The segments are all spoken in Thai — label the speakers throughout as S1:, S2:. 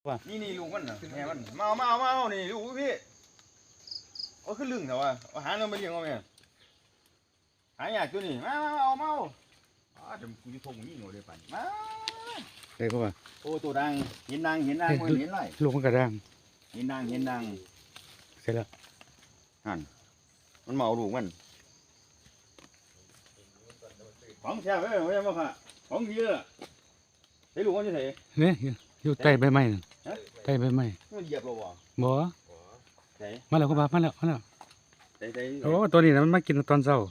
S1: ว่า
S2: นี่ลูกมันน่ะแม่มันมาเอานี่ลูกพี่เอาขึ้นลึงเถอะวะเอาหาเงินมาเลี้ยงเอาแม่หายากตัวนี้มาเอาเดี๋ยวกูจะทงยิ่งกว่าเดี๋ยวปั่นมา
S1: ได้ป่ะ
S2: โอ้ตัวดังเห็นดังมันเห็นไร
S1: ลูกมันกระด้าง
S2: เห็นดัง
S1: เสร็จแล้ว
S2: หันมันเมาลูกมันของแช่ไว้ไม่ใช่ป่ะค่ะของเยอะไอ้ลูกมันจะเถอะ
S1: เนี่ยอยู่ใต้ใบไม้ใต้ใบไม้
S2: มันเหยียบเรา
S1: บ่มาแล้วก็มาแล้วโอ้
S2: ตั
S1: วนี้นะมันมากินตอนเช้า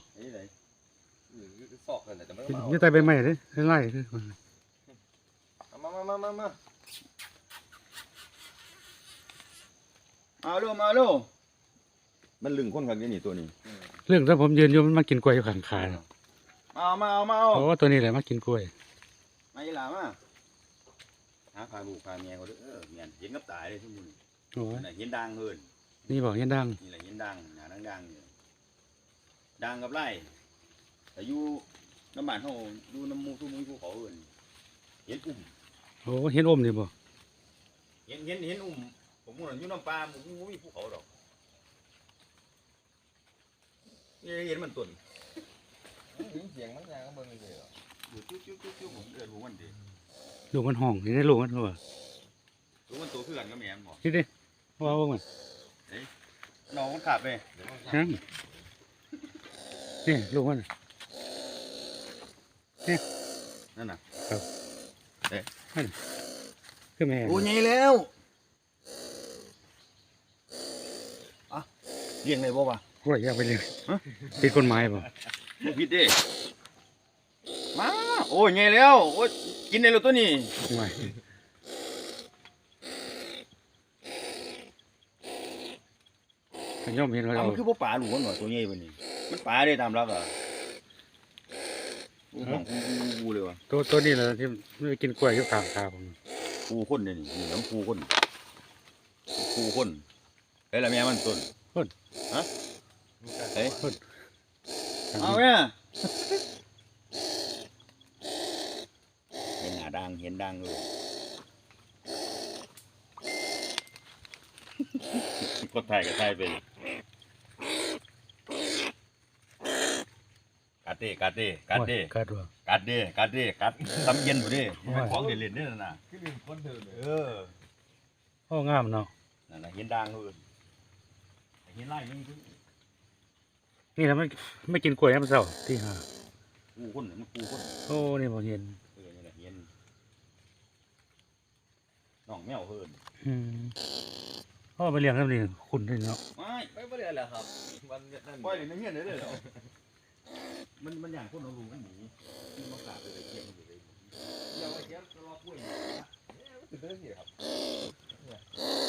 S1: อยู่ใต้ใบไม้เลยไล่คือ
S2: มาลูกมันลึงคนกันนี่ตัวนี้
S1: เรื่องถ้าผมยืนอยู่มันมากินกล้วยอยู่ข้างขา
S2: มา
S1: โอ้ตัวนี้แหละมากินกล้วย
S2: มาอีหลามาหาพาลูกพาเมียเขาด้วยเมียเห็นกับตายเลยทุกคน
S1: โอ้
S2: เห็นดังเกิน
S1: นี่บอกเห็นดัง
S2: นี่แหละเห็นดังหนาดังดังกับไร่แต่อยู่น้ำบ้านเขาดูน้ำมูทุ่มภูเขาเอิญเห็น
S1: โอ้เห็นอมนี่บ่
S2: เห็นผมว่าอยู่น้ำปลาผมมีภูเขาดอกเห็นมันตุ่นเสียงมันยังก็เบิ่งเลยอยู่จิ้วผมรู้มันดี
S1: ลูกมันห้องนี่ได้ลูกมันบ่
S2: รู้มันตัวเพื่อนก็แม่นบ่
S1: นี่ดิว่าบ่มัน
S2: น้องมันขับเลย
S1: นี่ลูกมันนี่
S2: นั่นน่ะครับ
S1: คือแม่
S2: โอ้ยแล้วเลี้ยงเลยบ่วะ
S1: กล้วยอยากไปเลี้ยงผิดกฎหมายบ่
S2: ผิดดิมาโอ้ยแล้วโอ้ยกินได้แล้วตัวนี้
S1: ไม่ย่อมเห็นว่า
S2: มันคือพวกปลาหลวงหน่อยตัวใหญ่กว่านี้มันปลาได้ตามรักอ่ะของกูเลยวะ
S1: ตัวนี้แหละที่ไม่กินกล้วยอยู่ข้างขาผม
S2: กูคนเนี่ยนี่น้ำกูคนเฮ้ยละแม่มันต้นฮะเฮ้ยเอาเนี่ยเห็นหน้าดังเลยก็ถ่ายไปกัดทำเย็นผู้ดิของเด่นนี่น่ะคือเป็นคนเดิน
S1: โอ้งามเนาะ
S2: นั่นน่ะเห็นดังเลยเห็นไล่
S1: นี่แล้วไม่กินกล้วยน้ำเสาที่หา
S2: กูคน
S1: โอ้นี่ผมเห็น
S2: นี่แหละเห็นน้องแมวเพิ่น
S1: พ่อไปเลี้ยงน้ำนี่คุณด้วยเนาะ
S2: ไม่เลี้ยงแล้วครับมันนั่นปล่อยในเงี้ยได้เลยเหรอมันอย่างคนเอาลูกมันหนีที่มากราบเลยเกี่ยงอยู่เลยเดี๋ยวไอ้เจ้ารอกล้วยเนี่ยมันจะเดินเหรอครับ